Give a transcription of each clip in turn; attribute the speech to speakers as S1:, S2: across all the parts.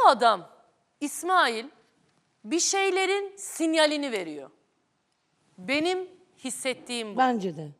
S1: Bu adam İsmail bir şeylerin sinyalini veriyor. Benim hissettiğim bu.
S2: Bence de.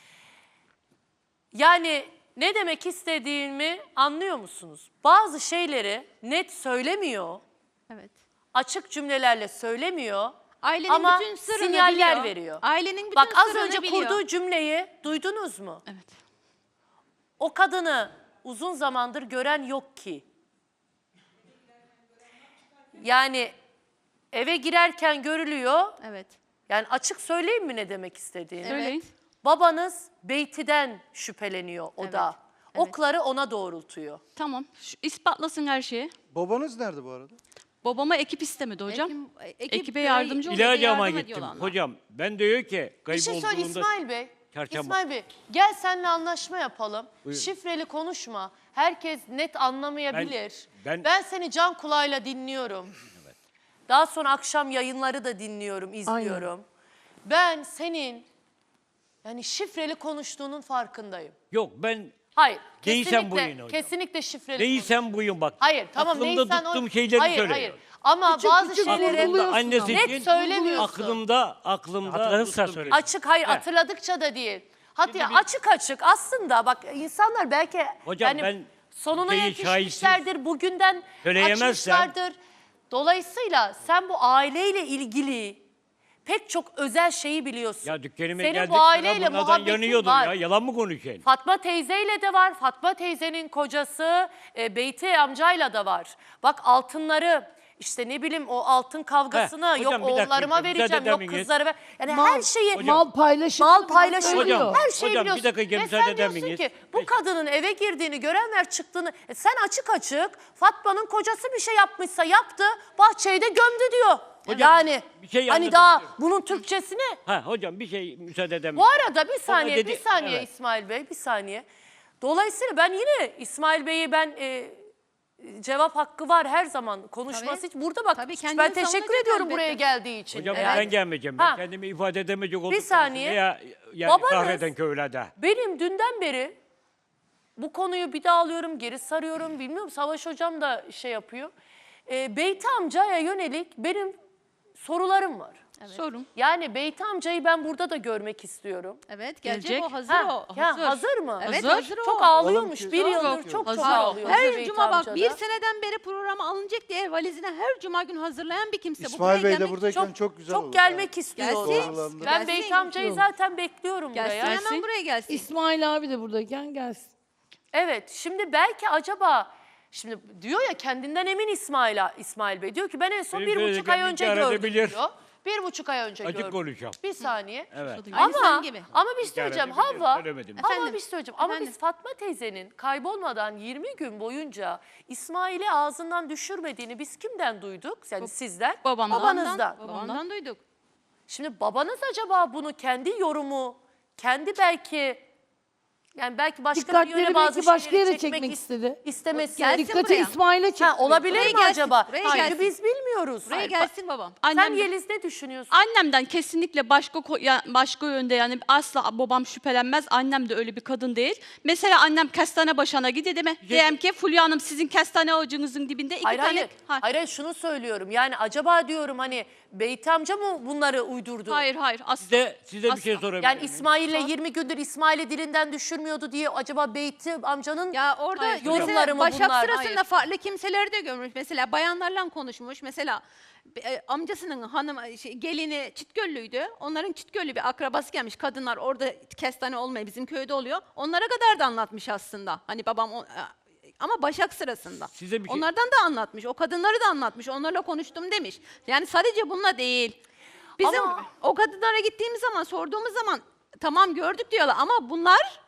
S1: Yani ne demek istediğimi anlıyor musunuz? Bazı şeyleri net söylemiyor,
S3: Evet.
S1: açık cümlelerle söylemiyor
S3: Ailenin
S1: ama
S3: bütün sırrını
S1: sinyaller
S3: biliyor.
S1: veriyor.
S3: Ailenin bütün
S1: Bak az
S3: sırrını
S1: önce
S3: biliyor.
S1: kurduğu cümleyi duydunuz mu?
S3: Evet.
S1: O kadını uzun zamandır gören yok ki. Yani eve girerken görülüyor.
S3: Evet.
S1: Yani açık söyleyeyim mi ne demek istediğini?
S3: Evet.
S1: Babanız Beyti'den şüpheleniyor o
S3: Evet,
S1: da.
S3: evet.
S1: Okları ona doğrultuyor.
S4: Tamam. İspatlasın her şeyi.
S5: Babanız nerede bu arada?
S4: Babama ekip istemedi hocam. Ekibe
S3: böyle
S4: yardımcı olun.
S6: İlacıma
S3: yardım
S6: gittim.
S3: ediyorlar onlar.
S6: Hocam ben diyor ki
S1: Bir şey söyle
S6: kaybolduğunda...
S1: İsmail Bey.
S6: Çarşamba.
S1: İsmail Bey gel seninle anlaşma yapalım.
S6: Buyurun.
S1: Şifreli konuşma. Herkes net anlamayabilir.
S6: Ben-
S1: Ben seni can kulağıyla dinliyorum. Daha sonra akşam yayınları da dinliyorum, izliyorum. Ben senin yani şifreli konuştuğunun farkındayım.
S6: Yok ben
S1: Hayır,
S6: Değilsen buyurun
S1: kesinlikle,
S6: hocam.
S1: kesinlikle şifreli
S6: değilsem buyum bak.
S1: Hayır, tamam
S6: Aklımda
S1: neysen o...
S6: tuttuğum şeyleri
S1: hayır,
S6: söylüyorum.
S1: hayır. Ama bazı
S2: küçük
S1: şeyleri
S2: vurguluyorsun
S6: annesi
S2: ama.
S6: için
S1: net söylemiyorsun.
S6: aklımda
S5: Hatırladıysa
S6: tuttuğum
S5: söyle.
S6: şey.
S1: Açık, hayır
S6: He.
S1: hatırladıkça da değil. Hatta
S6: Şimdi bir-
S1: açık açık aslında bak insanlar belki
S6: Hocam
S1: yani
S6: ben
S1: sonuna
S6: şeyi
S1: yetişmişlerdir, bugünden
S6: söyleyemezsem-
S1: açmışlardır. Dolayısıyla sen bu aileyle ilgili pek çok özel şeyi biliyorsun.
S6: Ya dükkanıma
S1: Senin
S6: geldik
S1: bu aileyle
S6: bunlardan
S1: muhabbetin
S6: yanıyordum
S1: var.
S6: ya. Yalan mı konuşayım?
S1: Fatma teyzeyle de var. Fatma teyzenin kocası Beyti amcayla da var. Bak altınları işte ne bileyim o altın kavgasını
S6: Heh, hocam,
S1: yok
S6: bir dakika,
S1: oğullarıma
S6: müsaade
S1: vereceğim
S6: eder
S1: yok
S6: miyiz?
S1: kızlara ver. Yani
S2: Mal-
S1: her şeyi
S2: Mal paylaşımı.
S1: mal paylaşımı
S2: söylüyor.
S1: her şeyi
S6: Hocam, bir
S1: biliyorsun.
S6: dakika,
S1: Ve
S6: müsaade
S1: sen
S6: eder
S1: diyorsun
S6: miyiz?
S1: ki bu
S6: Peki.
S1: kadının eve girdiğini görenler çıktığını sen açık açık Fatma'nın kocası bir şey yapmışsa yaptı bahçeyi de gömdü diyor.
S6: Hocam,
S1: yani
S6: bir şey
S1: hani daha
S6: anlatabilirim.
S1: bunun Türkçesi ne?
S6: Ha hocam bir şey müsaade eder
S1: Bu
S6: misin?
S1: arada bir saniye,
S6: dedi-
S1: bir saniye
S6: evet.
S1: İsmail Bey, bir saniye. Dolayısıyla ben yine İsmail Bey'i cevap hakkı var her zaman konuşması
S3: Tabii.
S1: için. Burada bak
S3: Tabii, kendini
S1: ben teşekkür
S3: savunacak
S1: ediyorum
S3: elbette.
S1: buraya geldiği için.
S6: Hocam
S1: Evet.
S6: ben gelmeyeceğim.
S1: Ha.
S6: Ben kendimi ifade edemeyecek oldum.
S1: saniye.
S6: Ya, yani
S1: Babanız-
S6: kahreden köylerde.
S1: Benim dünden beri bu konuyu bir daha alıyorum, geri sarıyorum. Bilmiyorum Savaş Hocam da şey yapıyor. Beyti amcaya yönelik benim sorularım var.
S4: Sorun.
S1: Yani Beyti amcayı ben burada da görmek istiyorum.
S3: Evet gelecek,
S4: Gelecek.
S3: o hazır
S1: Ha,
S3: o.
S1: ya hazır mı?
S3: Evet
S4: Hazır.
S3: hazır o.
S1: Çok ağlıyormuş. Bir
S5: Oğlum,
S1: yıldır
S5: çok
S1: çok
S4: hazır o.
S1: ağlıyor.
S3: Her
S1: Beyti
S3: cuma bak
S1: amca da.
S3: bir seneden beri programa alınacak diye valizine her cuma gün hazırlayan bir kimse. Bu
S5: İsmail
S3: buraya
S5: Bey de
S3: gelmek-
S5: buradayken çok güzel olur.
S1: Çok gelmek istiyor.
S3: Gelsin.
S5: Doğrulandı.
S1: Ben
S3: Gelsin.
S1: Beyti amcayı zaten bekliyorum
S3: Gelsin
S1: buraya.
S3: hemen buraya gelsin.
S2: İsmail abi de buradayken gelsin.
S1: Evet şimdi belki acaba şimdi diyor ya kendinden emin İsmail Bey diyor ki ben en son
S6: Benim
S1: 1,5 ay
S6: söylediğim
S1: önce
S6: bir
S1: gördüm
S6: bilir.
S1: diyor. 1,5 ay önce
S6: Açık
S1: gördüm.
S6: konuşacağım.
S1: Bir saniye.
S6: Evet.
S3: Aynı
S1: Ama
S3: sen gibi.
S1: bir şey söyleyeceğim
S6: İşaret edebilirim,
S1: Havva.
S6: söylemedim.
S1: Ama
S3: Efendim?
S1: bir şey söyleyeceğim. Ama
S3: Efendim?
S1: biz Fatma teyzenin kaybolmadan 20 gün boyunca İsmail'i ağzından düşürmediğini biz kimden duyduk? Yani sizden,
S4: Babamdan.
S1: babanızdan.
S3: Babamdan duyduk.
S1: Şimdi babanız acaba bunu kendi yorumu, kendi belki yani belki başka bir
S2: Dikkatleri
S1: yöne bazı
S2: belki başka
S1: şeyleri
S2: yere çekmek istedi.
S1: istemesi.
S3: Gelsin
S2: Dikkati
S3: buraya.
S2: İsmail'e çekti.
S1: Olabilir
S3: Buraya
S1: mi
S3: gelsin,
S1: acaba?
S3: buraya
S1: Çünkü
S3: gelsin.
S1: biz bilmiyoruz.
S3: Buraya gelsin babam.
S1: Sen
S4: Annem,
S1: Yeliz ne düşünüyorsun?
S4: annemden kesinlikle başka yönde yani asla babam şüphelenmez. Annem de öyle bir kadın değil. Mesela annem kestane başına gidiyor değil mi? Diyem ki Fulya Hanım sizin kestane ağacınızın dibinde iki
S1: Hayır
S4: tane...
S1: hayır. Hayır şunu söylüyorum. Yani acaba diyorum hani Beyti amca mı bunları uydurdu?
S4: Hayır asla.
S6: Size bir şey
S4: Asla.
S6: sorabilir
S1: Yani
S6: miyim?
S1: İsmail'le 20 gündür İsmail'i dilinden düşürmüyordu diye acaba Beyti amcanın
S3: Ya orada
S4: Hayır,
S1: yorumları mı
S3: Başak
S1: bunlar?
S3: sırasında
S4: Hayır.
S3: farklı kimseleri de görmüş. Mesela bayanlarla konuşmuş. Mesela amcasının gelini Çitgöllüydü. Onların Çitgöllü bir akrabası gelmiş. Kadınlar orada kestane olmuyor. Bizim köyde oluyor. Onlara kadar da anlatmış aslında. Hani babam ama Başak sırasında.
S6: Size bir şey-
S3: Onlardan da anlatmış. O kadınları da anlatmış. Onlarla konuştum demiş. Yani sadece bununla değil. Bizim
S1: Ama-
S3: o kadınlara gittiğimiz zaman, sorduğumuz zaman tamam gördük diyorlar ama bunlar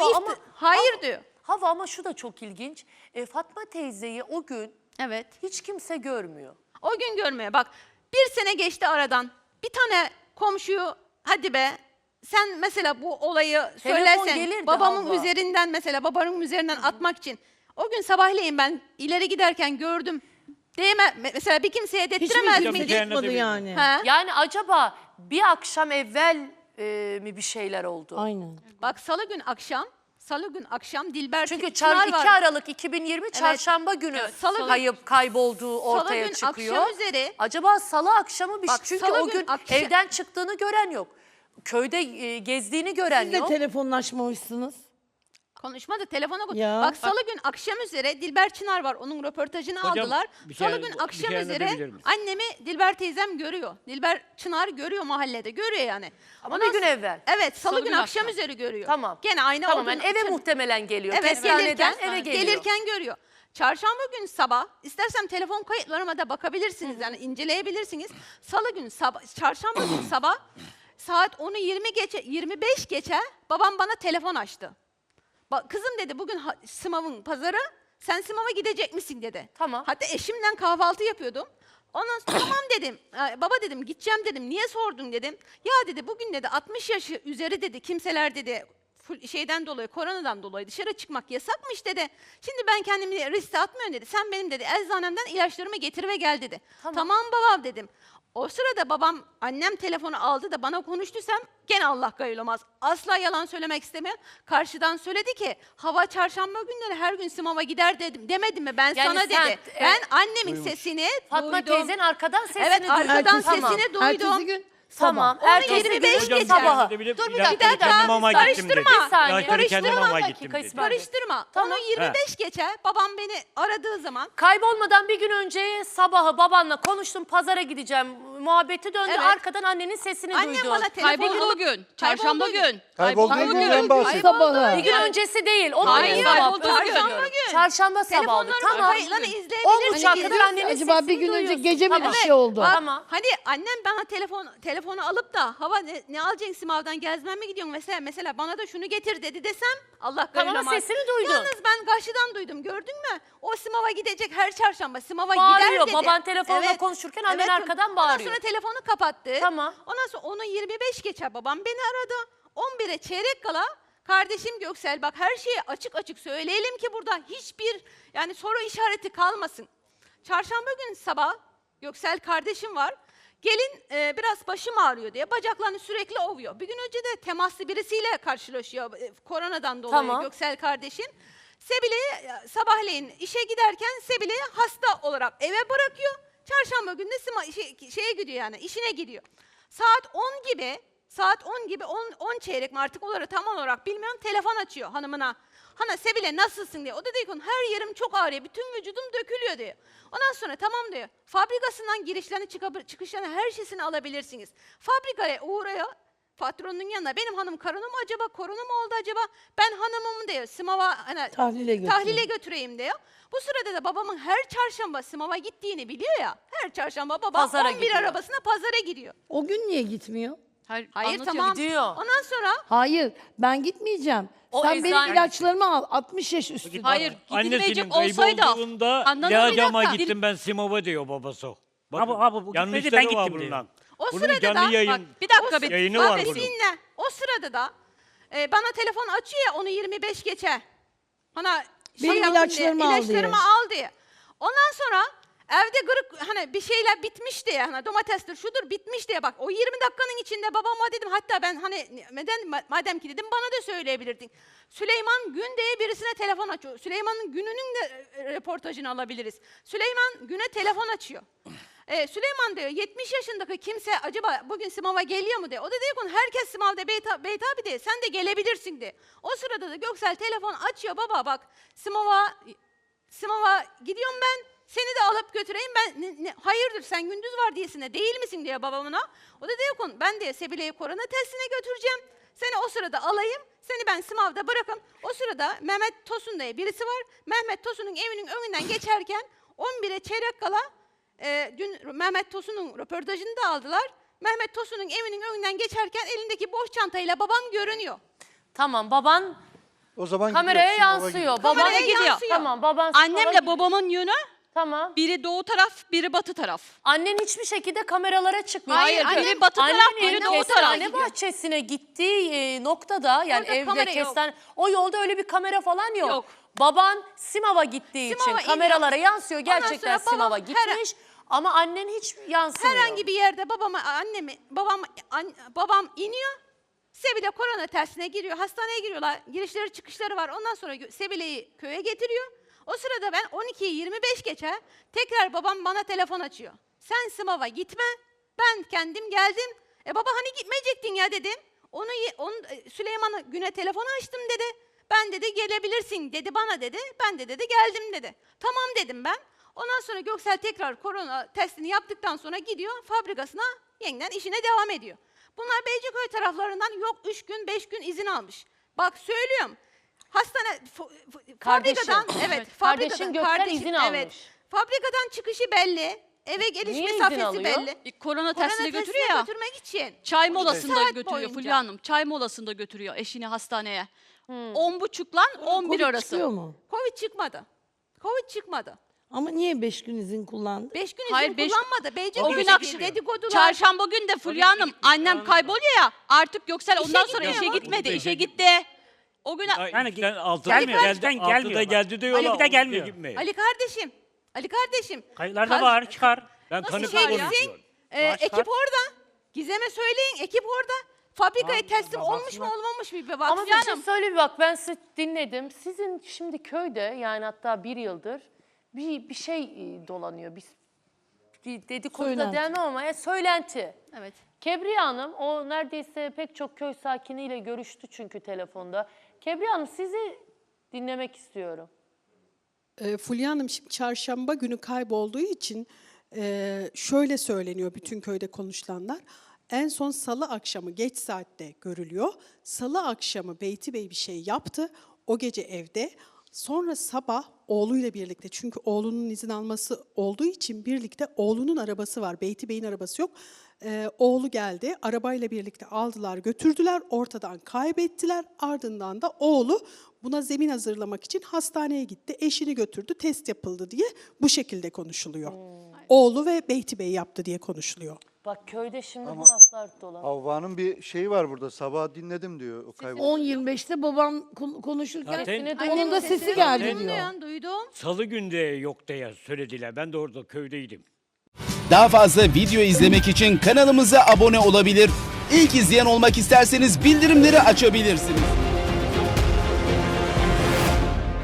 S3: hayır diyor.
S1: Hava ama şu da çok ilginç. Fatma teyzeyi o gün
S3: Evet.
S1: hiç kimse görmüyor.
S3: O gün görmeye bak. Bir sene geçti aradan. Bir tane komşuyu hadi be sen mesela bu olayı söylersen
S1: gelirdi
S3: babamın
S1: Havva.
S3: üzerinden mesela babanın üzerinden atmak için. O gün sabahleyin ben ileri giderken gördüm. Mesela bir kimseye
S2: Hiçbir
S3: dettiremez
S2: kimse
S6: miydi?
S3: miydi?
S2: çıkmadı yani.
S3: Ha?
S1: Yani acaba bir akşam evvel mi bir şeyler oldu?
S2: Aynen.
S3: Bak salı gün akşam Salı gün akşam Dilber
S1: Çünkü
S3: Çınar
S1: 2
S3: var.
S1: Aralık 2020 çarşamba günü
S3: Evet, Salı gün-
S1: kaybolduğu ortaya
S3: Salı gün
S1: çıkıyor.
S3: akşam üzeri-
S1: Acaba salı akşamı bir
S3: Bak,
S1: çünkü
S3: Salı
S1: o
S3: gün
S1: gün
S3: akşam-
S1: evden çıktığını gören yok. Köyde gezdiğini gören
S2: Siz de
S1: yok.
S2: telefonlaşmamışsınız.
S3: Konuşmadı, telefona koy.
S2: Ya.
S3: Bak salı gün akşam üzere Dilber Çınar var. Onun röportajını
S6: Hocam,
S3: aldılar.
S6: bir
S3: Salı
S6: şey-
S3: gün
S6: bir
S3: akşam
S6: şey
S3: üzere
S6: anlatabilir misin?
S3: annemi Dilber teyzem görüyor. Dilber Çınar görüyor mahallede. Görüyor yani.
S1: Ama
S3: Ondan
S1: bir gün
S3: sonra-
S1: evvel.
S3: Evet, salı,
S4: Salı
S3: gün
S4: gün
S3: akşam
S4: akşam.
S3: üzeri görüyor.
S1: Tamam.
S3: Gene aynı
S1: Tamam
S3: olduğunu-
S1: yani eve muhtemelen geliyor.
S3: Evet,
S1: Kestaneden
S3: gelirken,
S1: eve geliyor.
S3: gelirken görüyor. Çarşamba gün sabah, istersem telefon kayıtlarıma da bakabilirsiniz, yani inceleyebilirsiniz. Salı gün sabah, çarşamba gün sabah saat 10'u 25 geçe babam bana telefon açtı. Kızım dedi, bugün Simav'ın pazarı, sen Simav'a gidecek misin dedi.
S1: Tamam.
S3: Hatta eşimle kahvaltı yapıyordum. Ondan sonra tamam dedim. Baba dedim, gideceğim dedim. Niye sordun dedim. Ya dedi, bugün dedi 60 yaşı üzeri dedi kimseler dedi şeyden dolayı, koronadan dolayı dışarı çıkmak yasakmış dedi. Şimdi ben kendimi riske atmıyorum dedi. Sen benim dedi eczanemden ilaçlarımı getir ve gel dedi. Tamam babam dedim. O sırada babam, annem telefonu aldı da bana konuştuysam gene Allah gayılamaz. Asla yalan söylemek istemiyorum. Karşıdan söyledi ki hava çarşamba günleri her gün Simav'a gider dedim. Demedim mi ben
S1: Yani
S3: sana
S1: sen,
S3: dedi. Ben annemin sesini
S1: Fatma
S3: duydum.
S1: teyzenin arkadan sesini
S3: Evet,
S1: duydun.
S3: arkadan
S1: Tamam.
S3: sesini duydum.
S2: Ertesi gün
S1: Tamam.
S2: sabah.
S3: Onu 25
S6: Hocam,
S3: geçer.
S1: sabahı.
S6: bir
S3: Dur bir
S6: ilaçları
S3: dakika,
S6: kendim ama gittim dedi.
S3: karıştırma.
S1: Bir saniye.
S6: İlaçları kendim
S3: Karıştırma.
S6: ama
S1: Bir
S6: gittim
S1: dakika,
S6: dedi.
S1: İsmail.
S3: Karıştırma.
S1: Tamam.
S3: Onu 25 geçer. Babam beni aradığı zaman
S1: Kaybolmadan bir gün önce sabahı babanla konuştum, pazara gideceğim muhabbeti döndü.
S3: Evet.
S1: Arkadan annenin sesini
S3: annem
S1: duydun.
S3: bana telefon
S4: Kaybolduğu
S3: alıp
S4: gün. Çarşamba
S3: Kaybolduğu
S4: gün.
S5: Kaybolduğu günden bahsediyor.
S2: sabahı.
S1: Bir gün öncesi değil. O
S4: Hayır,
S1: gün
S4: kaybolduğu
S1: sabah.
S4: gün.
S3: Çarşamba gün.
S1: Çarşamba sabahı.
S3: Telefonların
S1: Tamam.
S3: kayıtlarını
S1: 10
S3: izleyebilirsiniz.
S1: uçağa kadar annenin
S2: Acaba
S1: sesini
S2: bir gün önce
S1: duyuyorsun.
S2: gece mi
S1: Tamam.
S2: bir şey oldu?
S3: Bak,
S1: Tamam.
S3: Hani annem bana telefonu alıp da hava ne alacaksın Simav'dan gezmeye mi gidiyorsun mesela bana da şunu getir dedi desem Allah
S1: Tamam,
S3: gayılamaz.
S1: sesini duydun.
S3: Yalnız ben karşıdan duydum, gördün mü? O Simav'a gidecek her çarşamba Simav'a
S1: Bağırıyor.
S3: gider dedi.
S1: Baban telefonla konuşurken annen arkadan bağırıyor.
S3: Ondan sonra telefonu kapattı.
S1: Tamam.
S3: Ondan sonra onu 25 geçer babam beni aradı. 11'e çeyrek kala kardeşim Göksel, bak her şeyi açık açık söyleyelim ki burada hiçbir yani soru işareti kalmasın. Çarşamba gün sabah Göksel kardeşim var. Gelin biraz başım ağrıyor diye bacaklarını sürekli ovuyor. Bir gün önce de temaslı birisiyle karşılaşıyor koronadan dolayı
S1: Tamam.
S3: Göksel kardeşim. Sebile'yi sabahleyin işe giderken Sebile'yi hasta olarak eve bırakıyor. Çarşamba günü de şeye gidiyor, yani işine gidiyor. Saat 10 gibi 10 çeyrek mi artık olarak tam olarak bilmiyorum, telefon açıyor hanımına. Hana Sebile nasılsın diye. O da diyor ki her yerim çok ağrıyor, bütün vücudum dökülüyor diyor. Ondan sonra tamam diyor. Fabrikasından girişlerini çıkışlarını her şeysini alabilirsiniz. Fabrikaya uğraya patronun yanına, benim hanım korona mu acaba, korona mu oldu acaba? Ben hanımımı diyor Simav'a hani, tahlile götüreyim diyor. Bu sırada da babamın her çarşamba Simav'a gittiğini biliyor ya. Her çarşamba babam
S1: Pazara
S3: 11
S1: gidiyor.
S3: arabasına pazara gidiyor.
S2: O gün niye gitmiyor?
S3: Hayır
S4: anlatıyor.
S3: tamam.
S1: Gidiyor.
S3: Ondan sonra
S2: Hayır, ben gitmeyeceğim.
S1: O
S2: Sen benim
S1: eczane-
S2: ilaçlarımı al. 60 yaş üstü.
S4: Hayır,
S6: Annesinin
S4: gidilmeyecek olsaydı.
S6: kaybolduğunda
S4: Anladın mı?
S6: ilacama
S4: Bir dakika.
S6: gittim ben Simav'a diyor babası.
S7: Abi, bu gitmedi,
S6: yanlışları
S7: ben
S6: var
S7: gittim diyor.
S6: bundan.
S3: o
S6: Bunun
S3: sırada
S6: canlı
S3: da
S6: yayın
S4: Bak, bir dakika, bir
S6: yayını var bunun.
S3: dinle. O sırada da bana telefon açıyor ya, onu 25 geçe. Bana
S2: Benim
S3: yapın
S2: ilaçlarımı al
S3: ilaçlarımı
S2: diye.
S3: al diye. Ondan sonra evde gırık hani bir şeyler bitmiş diye, hani domatestir şudur bitmiş diye, bak o 20 dakikanın içinde babama dedim, hatta ben hani madem ki dedim bana da söyleyebilirdin. Süleyman Gün diye birisine telefon açıyor. Süleyman'ın Günü'nün de reportajını alabiliriz. Süleyman Gün'e telefon açıyor. Süleyman diyor 70 yaşındaki kimse acaba bugün Simav'a geliyor mu diye. O da diyor ki herkes Simav'da Beyt abi diye, sen de gelebilirsin diye. O sırada da Göksel telefon açıyor, baba bak Simav'a gidiyorum ben, seni de alıp götüreyim ben, hayırdır sen gündüz var diyesine değil misin diyor babamına. O da diyor ki ben diye Sebile'yi korona testine götüreceğim. Seni o sırada alayım, seni ben Simav'da bırakım. O sırada Mehmet Tosun diye birisi var. Mehmet Tosun'un evinin önünden geçerken 11'e çeyrek kala dün Mehmet Tosun'un röportajını da aldılar. Mehmet Tosun'un evinin önünden geçerken elindeki boş çantayla babam görünüyor.
S1: Tamam, baban
S5: O zaman
S1: kameraya
S5: gidiyor, Simav'a
S1: yansıyor.
S5: gidiyor.
S1: Baban
S3: Kameraya
S4: gidiyor.
S3: yansıyor.
S1: Tamam, baban spora
S4: Annemle
S1: gidiyor.
S4: babamın yönü
S1: Tamam.
S4: biri doğu taraf, biri batı taraf.
S1: Annen hiçbir şekilde kameralara çıkmıyor.
S4: Hayır,
S1: Çünkü
S4: biri batı taraf,
S1: annenin
S4: biri doğu taraf.
S1: kestane bahçesine gittiği noktada, yani
S3: Orada
S1: evde
S3: kamera yok.
S1: kestane, o yolda öyle bir kamera falan yok.
S4: Yok.
S1: Baban Simav'a gittiği
S3: Simav'a
S1: için kameralara yansıyor.
S3: Ondan
S1: Gerçekten
S3: sonra babam
S1: Simav'a gitmiş ama annen hiç yansımıyor.
S3: Herhangi bir yerde babam iniyor. Sebile korona testine giriyor. Hastaneye giriyorlar. Girişleri çıkışları var. Ondan sonra Sebile'yi köye getiriyor. O sırada ben 12'yi 25 geçe tekrar babam bana telefon açıyor. Sen sınava gitme. Ben kendim geldim. Baba hani gitmeyecektin ya dedim. Süleyman'a güne telefonu açtım dedi. Ben dedi gelebilirsin dedi bana dedi. Ben de dedi geldim dedi. Tamam dedim ben. Ondan sonra Göksel tekrar korona testini yaptıktan sonra gidiyor fabrikasına yeniden işine devam ediyor. Bunlar Beyciköy taraflarından yok 3 gün 5 gün izin almış. Bak söylüyorum. Hastane fabrikadan evet
S1: Kardeşin Göksel izin almış.
S3: Evet. Fabrikadan çıkışı belli. Eve geliş
S1: Niye izin
S3: mesafesi
S1: alıyor?
S3: belli.
S4: Korona testine götürüyor ya.
S3: götürmek için.
S4: Çay
S3: 12
S4: molasında
S3: saat
S4: götürüyor
S3: boyunca.
S4: Fulya Hanım. Çay molasında götürüyor eşini hastaneye. 10.30'la 11
S2: Covid
S4: arası.
S2: çıkıyor mu?
S3: Covid çıkmadı. Covid çıkmadı.
S2: Ama niye 5 gün izin kullandı?
S3: 5 gün izin
S4: Hayır,
S3: kullanmadı.
S4: O
S3: Beyciköy
S4: gün
S3: dedi,
S4: akşam,
S3: dedikodular.
S4: çarşamba gün de Fulya Hanım annem kayboluyor ya. Artık Göksel ondan sonra
S3: gitmiyor
S4: işe
S3: mu?
S4: gitmedi.
S6: İşe
S4: İşe
S6: git-
S4: gitti. O gün
S6: Yani sen altıda
S7: gelmiyor,
S6: mı?
S7: elden
S6: Altıda
S7: gelmiyor.
S6: geldi diyorlar.
S7: Ali bir de gelmiyor.
S6: gitmiyor.
S3: Ali kardeşim. Ali kardeşim.
S7: Kayıtlarda
S3: Kaz-
S7: var, çıkar.
S6: Ben
S3: Nasıl
S6: kanıt
S3: şey
S6: konuşuyorum.
S3: bilsin?
S7: Başka?
S3: Ekip orada. Gizem'e söyleyin ekip orada. Fabrikaya teslim olmuş mu
S7: baksınlar.
S3: olmamış mı bir
S1: Ama
S3: baksın.
S1: bir şey söyleyeyim bak ben sizi dinledim. Sizin şimdi köyde yani hatta 1 yıldır bir şey dolanıyor. Bir dedikodu da
S2: Söylenti.
S1: demem ama söylenti.
S3: Evet.
S1: Kebriye Hanım o neredeyse pek çok köy sakiniyle görüştü çünkü telefonda. Kebriye Hanım sizi dinlemek istiyorum.
S8: Fulya Hanım şimdi çarşamba günü kaybolduğu için şöyle söyleniyor bütün köyde konuşulanlar. En son salı akşamı geç saatte görülüyor. Salı akşamı Beyti Bey bir şey yaptı. O gece evde. Sonra sabah oğluyla birlikte çünkü oğlunun izin alması olduğu için birlikte oğlunun arabası var. Beyti Bey'in arabası yok. Oğlu geldi. Arabayla birlikte aldılar götürdüler. Ortadan kaybettiler. Ardından da oğlu buna zemin hazırlamak için hastaneye gitti. Eşini götürdü. Test yapıldı diye bu şekilde konuşuluyor. Oğlu ve Beyti Bey yaptı diye konuşuluyor.
S1: Bak köyde şimdi bu laflar dolan.
S5: Havva'nın bir şeyi var burada. Sabah dinledim diyor. O kaybol.
S2: 10.25'te babam konuşurken
S1: Sesini
S2: onun
S1: duydum.
S2: da sesi geldi diyor.
S3: Duymuyorsun, duydum.
S6: Salı günde yok diye söylediler. Ben de orada köydeydim.
S9: Daha fazla video izlemek için kanalımıza abone olabilir. İlk izleyen olmak isterseniz bildirimleri açabilirsiniz.